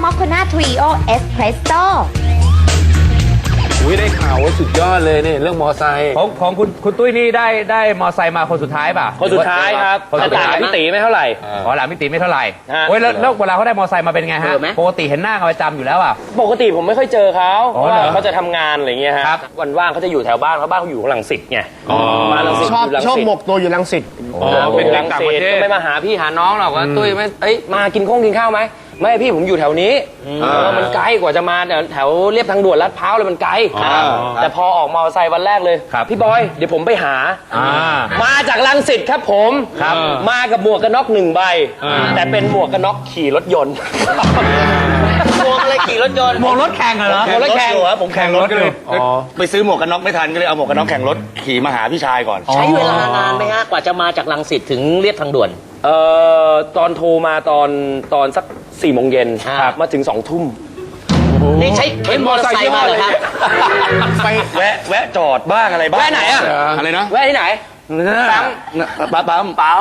มอคโคนาทริโอเอสเพรสโซ่อุ้ยได้ข่าวว่าสุดยอดเลยเนี่ยเรื่องมอไซค์ของคุณตุ้ยนี่ได้มอไซค์มาคนสุดท้ายป่ะคนสุดท้ายครับคนสุดท้ายพี่ตีไม่เท่าไหร่อ๋อหลานพี่ตีไม่เท่าไหร่ฮะเว้ยแล้วเวลาเขาได้มอไซค์มาเป็นไงฮะเจอไหมปกติเห็นหน้ากันประจำอยู่แล้วอ่ะปกติผมไม่ค่อยเจอเขาเพอ๋อราะเหรว่าอเขาจะทำงานอะไรเงี้ยฮะครับวันว่างเขาจะอยู่แถวบ้านเขาบ้านเขาอยู่รังสิตไงมารังสิตชอบยู่รังชอบสิตหมกตัวอยู่รังสิตเป็นรังสิตก็ไม่มาหาพี่หาน้องหรอกว่าตุ้ยไม่เอ้ยมากินข้าวไหมไม่พี่ผมอยู่แถวนี้มันไกลกว่าจะมาแถวเรียบทางด่วนลาดพร้าวเลยมันไกลแต่พอออกมอเตอร์ไซค์วันแรกเลยพี่บอยเดี๋ยวผมไปหา มาจากรังสิตครับผมมากับหมวกกันน็อก1 ใบแต่เป็นหมวกกันน็อกขี่รถยนต์หมวกอะไรขี่รถยนต์มองรถแข่งเหรอหมวกรถแข่งผมแข่งรถก็เลยไปซื้อหมวกกันน็อกไม่ทันก็เลยเอาหมวกกันน็อกแข่งรถขี่มาหาพี่ชายก่อนใช้เวลานานไหมฮะกว่าจะมาจากรังสิตถึงเรียบทางด่วนตอนโทรมาตอนสัก4 โมงเย็นมาถึง2 ทุ่มนี่ใช้เป็นมอเตอร์ไซค์มาเหรอครับไปแวะจอดบ้างอะไรบ้างแวะไหนอะอะไรนะแวะที่ไหนปั๊มปั๊ม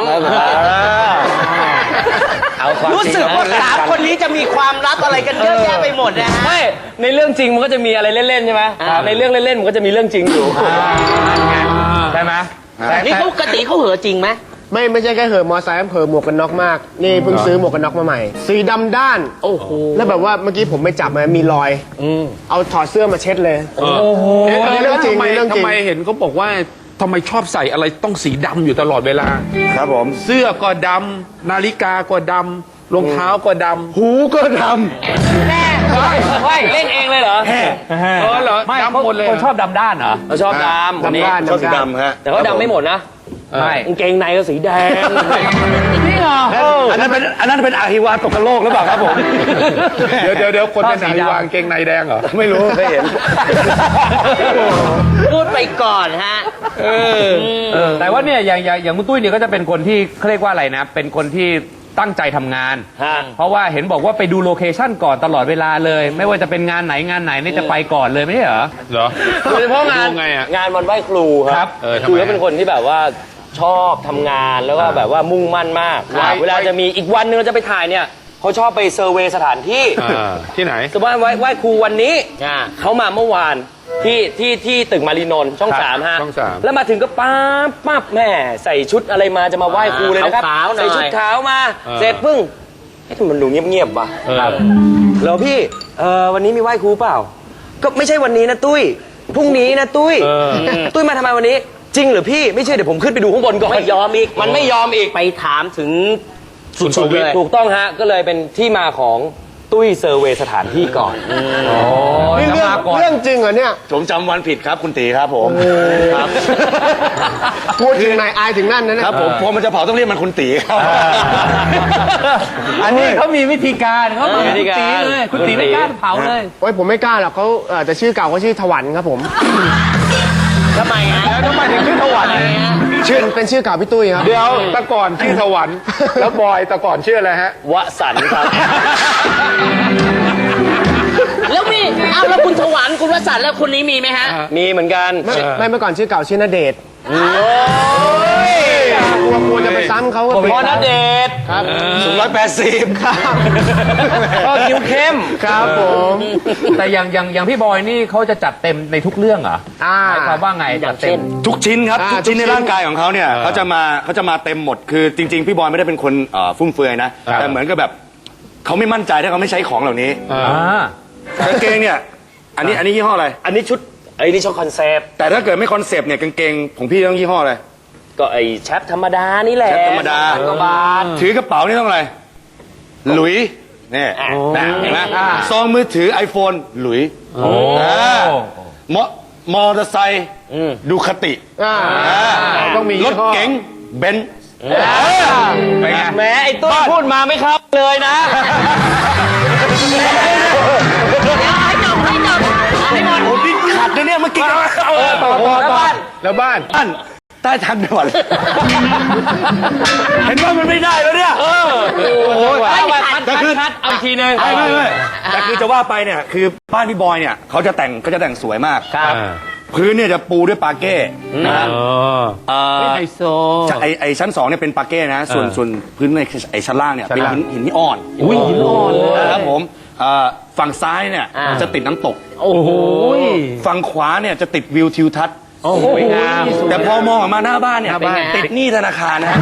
เอาความรู้สึกว่า3 คนนี้จะมีความลับอะไรกันเยอะแยะไปหมดนะฮะไม่ในเรื่องจริงมันก็จะมีอะไรเล่นๆใช่ไหมในเรื่องเล่นๆมันก็จะมีเรื่องจริงอยู่ใช่ไหมนี่เขาปกติเขาเหอจริงไหมไม่ใช่แค่เหอะมอไซค์เผลอหมวกกันน็อกมาก นี่เพิ่งซื้อหมวกกันน็อกมาใหม่ สีดำด้านโอ้โหแล้วแบบว่าเมื่อกี้ผมไปจับมามีรอยเอาถอดเสื้อมาเช็ดเลย นี่เรื่องจริงทำไมนี่เรื่องจริงทำไมเห็นเขาบอกว่าทำไมชอบใส่อะไรต้องสีดำอยู่ตลอดเวลาครับผมเสื้อก็ดำนาฬิกาก็ดำรองเท้าก็ดำหูก็ดเฮ้ยเล่นเองเลยเหรอเหรอไม่ดำหมดเลยคนชอบดำด้านเหรอเราชอบดำคนนี้ำด้านชอบสีดำด้านดำฮะแต่เขาดำไม่หมดนะไม่กางเกงในก็สีแดงนี่เหรออันนั้นเป็นอาฮิวาตกโลกหรือเปล่าครับผมเดี๋ยวคนเป็นไหนวางเกงในแดงเหรอไม่รู้ไม่เห็นพูดไปก่อนฮะแต่ว่าเนี่ยอย่างคุณตุ้ยเนี่ยก็จะเป็นคนที่เขาเรียกว่าอะไรนะ เป็นคนที่ตั้งใจทำงานฮะเพราะว่าเห็นบอกว่าไปดูโลเคชั่นก่อนตลอดเวลาเลย ไม่ว่าจะเป็นงานไหนนี่จะไปก่อนเลยไม่ใช่เหรอเหรอโดยเฉพาะงานดูไงอะงานวันไหว้ครูคครัรับทำไมคือเขาเป็นคนที่แบบว่าชอบทำงานแล้วก็แบบว่ามุ่งมั่นมาก เวลาจะมีอีกวันหนึงเราจะไปถ่ายเนี่ยเขาชอบไปเซอร์เวย์สถานที่ที่ไหนสมมติว่าไหว้ครูวันนี้เขามาเมื่อวานที่ตึกมารีนนท์ช่องครับ 3ฮะช่อง3 แล้วมาถึงก็ปั๊บแม่ใส่ชุดอะไรมาจะมาไหว้ครูเลยนะครับใส่ชุดขาวมาเสร็จปึ้งเอ๊ะทำไมมันดูเงียบๆว่ะแล้วพี่วันนี้มีไหว้ครูเปล่า ก็ไม่ใช่วันนี้นะตุ้ยพรุ่งนี้นะตุ้ยตุ้ยมาทำไมวันนี้ จริงเหรือพี่ไม่เชื่อเดี๋ยวผมขึ้นไปดูข้างบนก่อนไม่ยอมอีกมันไม่ยอมอีกไปถามถึงสุดๆเลยถูกต้องฮะก็เลยเป็นที่มาของตุ้ยเซอร์เวย์สถานที่ก่อนนี่เรื่องจริงเหรอเนี่ยผมจำวันผิดครับคุณตีครับผมครับพูดถึงไหนอายถึงนั่นนะเนี่ยครับผมพอมันจะเผาต้องเรียกมันคุณตีครับอันนี้เขามีวิธีการเขาบอกมีวิธีคุณการตีเลยคุณตีไม่กล้าเผาเลยโอ้ยผมไม่กล้าหรอกเขาแต่ชื่อเก่าเขาชื่อถวันครับผมทำไมฮะแล้วทำไมถึงชื่อถวันเป็นชื่อเก่าพี่ตุ้ยครับเดี๋ยวแตะก่อนชื่อถวันแล้วบอยแตะก่อนชื่ออะไรฮะวสันต์ครับแล้วมีอ้าวแล้วคุณถวันคุณวสันต์แล้วคนนี้มีไหมฮะมีเหมือนกันไม่เมื่อก่อนชื่อเก่าชื่อณเดชน์กลัวจะไปซ้ำเขาก็พอณเดชน์ครับสูง180ครับก็คิ้วเข้มครับผมแต่อย่างพี่บอยนี่เขาจะจัดเต็มในทุกเรื่องเหรอหมายความว่าไงจัดเต็มทุกชิ้นครับ ทุกชิ้นทุกชิ้ในนร่างกายของเขาเนี่ยเขาจะมาเต็มหมดคือจริง ๆ พี่บอยไม่ได้เป็นคนฟุ่มเฟือยนะ แต่เหมือนกับแบบเขาไม่มั่นใจถ้าเขาไม่ใช้ของเหล่านี้กางเกงเนี่ยอันนี้ยี่ห้ออะไรอันนี้ชุดนี่ชุดคอนเซปต์แต่ถ้าเกิดไม่คอนเซปต์เนี่ยกางเกงของพี่ต้องยี่ห้ออะไรก็ไอ้แชปธรรมดานี่แหละแชปธรรมดา 2,000 กว่าบาทถือกระเป๋านี่ต้องอะไรหลุยนี่นะเห็นไหมซองมือถือ iPhone หลุยมอเตอร์ไซค์ดูคติต้องมีรยี่ถห้อเก๋งเบนซ์ไปไงแหมไอ้ตุ้ยพูดมาไม่ครับเลยนะผมนี่ขัดนะเนี่ยเมื่อกี้ต่อแล้วบ้านบ้านใต้ทางด่วนเห็นว่ามันไม่ได้แล้วเนี่ยแต่คือเอาอีกทีนึงไม่แต่คือจะว่าไปเนี่ยคือบ้านพี่บอยเนี่ยเขาจะแต่งสวยมากครับพื้นเนี่ยจะปูด้วยปาเก้นะฮะไฮโซไอชั้น2เนี่ยเป็นปาเก้นะส่วนพื้นในไอชั้นล่างเนี่ยเป็นหินอ่อนอุ้ยหินอ่อนเลยนะครับผมฝั่งซ้ายเนี่ยจะติดน้ำตกโอ้โหฝั่งขวาเนี่ยจะติดวิวทิวทัศน์สวยงามแต่พอมองออกมาหน้าบ้านเนี่ยติดหนี้ธนาคารนะ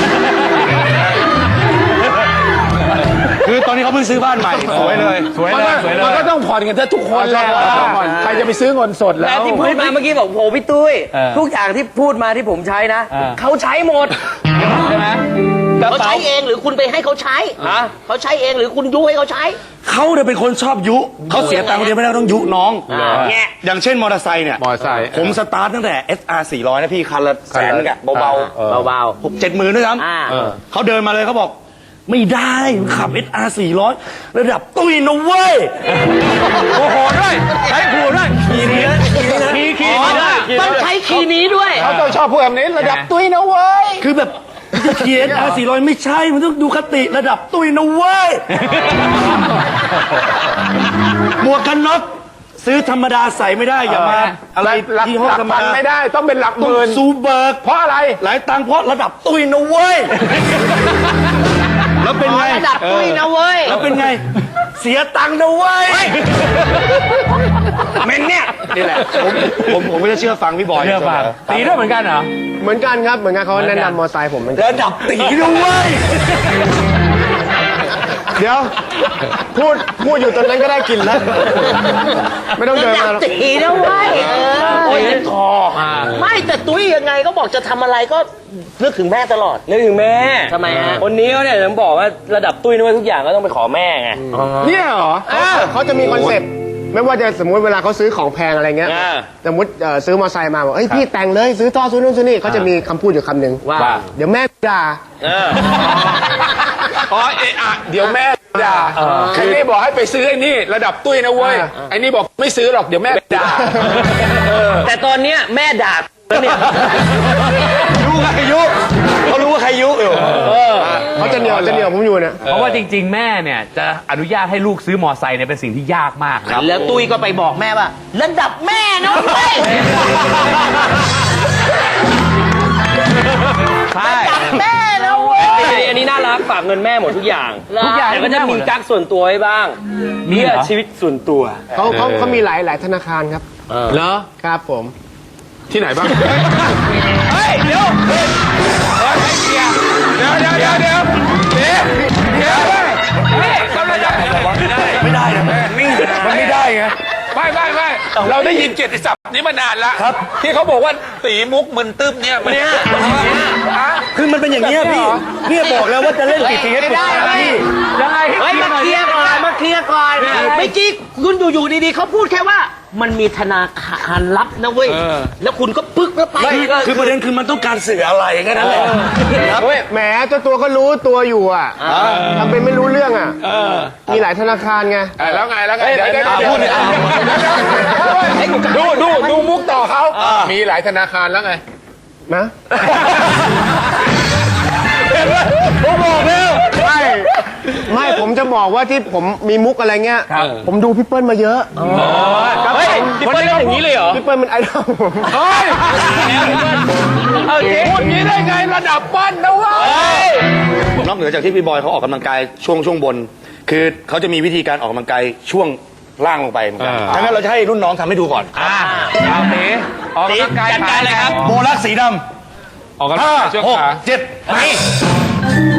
คือตอนนี้เขาเพิ่งซื้อบ้านใหม่สวยเลยสวยเลยสวยเลยมันก็ต้องผ่อนกันทุกคนแหล้วใครจะไปซื้อเงินสดแล้แต่วที่พูดมาเมื่อกี้บอกโหพี่ตุ้ยทุกอย่างที่พูดมาที่ผมใช้นะเขาใช้หมดใช่ไหมเขาใช้เองหรือคุณไปให้เขาใช้เขาใช้เองหรือคุณยุให้เขาใช้เขาเนี่ยเป็นคนชอบยุเขาเสียตังค์คนเดียวไม่ได้ต้องยุน้องอย่างเช่นมอเตอร์ไซค์เนี่ยมอเตอร์ไซค์ผมสตาร์ทตั้งแต่ SR 400นะพี่คันละแสนนึงอะเบาเบาๆ6-7 หมื่นด้วยซ้ำเขาเดินมาเลยเขาบอกไม่ได้ขับ SR 400ระดับตุ้ยนะเว้ยโอ้โหด้วยใช้ขู่ด้วยขี่นี้ขี่ด้วยๆต้องใช้คีย์นี้ด้วยเขาต้องชอบพูดแบบนี้ระดับตุ้ยนะเว้ยคือแบบจะขี่ SR 400ไม่ใช่มันต้องดูคติระดับตุ้ยนะเว้ย หมวกกันน็อกซื้อธรรมดาใส่ไม่ได้อย่ามาอะไรหลักยี่ห้อธรรมพันดาไม่ได้ต้องเป็นหลักหต้องมื่นซูเบิร์กเพราะอะไรหลายตังค์เพราะระดับตุ้ยนะเว้ย แล้วเป็นไงระดับตุ้ยนะเว้ยแล้วเป็นไง เสียตังค์นะเว้ยเมนเนี่ยนี่แหละผมก็จะเชื่อฟังพี่บอยเชื่อฟังตีด้วยเหมือนกันเหรอเหมือนกันครับเหมือนกันเขาแนะนำมอไซค์ผมเหมือนกันระดับตีนะเว้ยเดี๋ยวพูดอยู่ตอนนั้นก็ได้กินแล้ว ไม่ต้องเดินระดัมาบหรอกตีนะเว้ยโอ้ยคอไม่แต่ตุ้ยยังไงก็บอกจะทำอะไรก็นึกถึงแม่ตลอดนึกถึงแม่ทำไมฮะคนนี้เขาเนี่ยผมบอกว่าระดับตุ้ยนะเว้ยทุกอย่างก็ต้องไปขอแม่ไงเนี่ยเหรอเขาจะมีคอนเซ็ปต์ไม่ว่าจะสมมุติเวลาเขาซื้อของแพงอะไรเงี้ย สมมติซื้อมอเตอร์ไซค์มาบอกเฮ้ยพี่แต่งเลยซื้อท่อซื้อนู่นซื้อนี่เขาจะมีคำพูดอยู่คำหนึ่งว่าเดี๋ยวแม่ด่าอ๋อเดี๋ยวแม่ด่าไอ้นี่บอกให้ไปซื้อไอ้นี่ระดับตุ้ยนะเว้ยไอ้นี่บอกไม่ซื้อหรอกเดี๋ยวแม่ด่าแต่ตอนเนี้ยแม่ด่าแล้วเนี่ยรู้ใครยุเขารู้ว่าใครยุอยู่เขาจะเหนียวผมอยู่เนี่ยเพราะว่าจริง ๆ แม่เนี่ยจะอนุญาตให้ลูกซื้อมอไซค์เนี่ยเป็นสิ่งที่ยากมากนะแล้วตุ้ยก็ไปบอกแม่ว่าระดับแม่นะเว้ยใช่ระดับแม่นะเว้ยอันนี้น่ารักฝากเงินแม่หมดทุกอย่างทุกอย่างแต่ก็จะมีกั๊กส่วนตัวไว้บ้างมีเหรอเพื่อชีวิตส่วนตัวเขามีหลายธนาคารครับเหรอครับผมที่ไหนบ้างเฮ้ยเดี๋ยวให้เกียร์เดี๋ยวกำลังจะไม่ได้นะมันไม่ได้ไงไม่เราได้ยินเกียรติศัพท์นี้มานานแล้วครับที่เขาบอกว่าตีมุกมึนตึ๊บเนี่ยมันเนี่ยคือมันเป็นอย่างนี้ยพี่เนี่ยบอกแล้วว่าจะเล่นติดทีให้ปรึกษาพี่ยังไงเฮ้ยมาเคลียร์ก่อนมาเคลียร์ก่อนเมื่อกี้คุณอยู่ดีๆเขาพูดแค่ว่า มันมีธนาคารลับนะเว้ยแล้วคุณก็ปึ๊กแล้วไปไม่คือประเด็นคือมันต้องการสื่ออะไรแค่นั้นแหละเฮ้ยแหมเจ้าตัวก็รู้ตัวอยู่อ่ะทำเป็นไม่รู้เรื่องอ่ะมีหลายธนาคารไงแล้วไงเดี๋ยวพูดเลยดูมุกต่อเขามีหลายธนาคารแล้วไงนะผมบอกแล้วไม่ผมจะบอกว่าที่ผมมีมุกอะไรเงี้ยผมดูพี่เปิ้ลมาเยอะเฮ้ยพี่เปิ้ลเล่นอย่างนี้เลยเหรอพี่เปิ้ลมันไอดอลผมเฮ้ยพูดงี้ได้ไงระดับปั้นนะเว้ยนอกเหนือจากที่พี่บอยเขาออกกำลังกายช่วงบน คือเขาจะมีวิธีการออกกำลังกายช่วงล่างลงไปเหมือนกันดังนั้นเราจะให้รุ่นน้องทำให้ดูก่อนเอาตีออกกำลังกายจัดการเลยครับโบลักสีดออกกำลังำกายช่วง 5 ขา 6 7ไป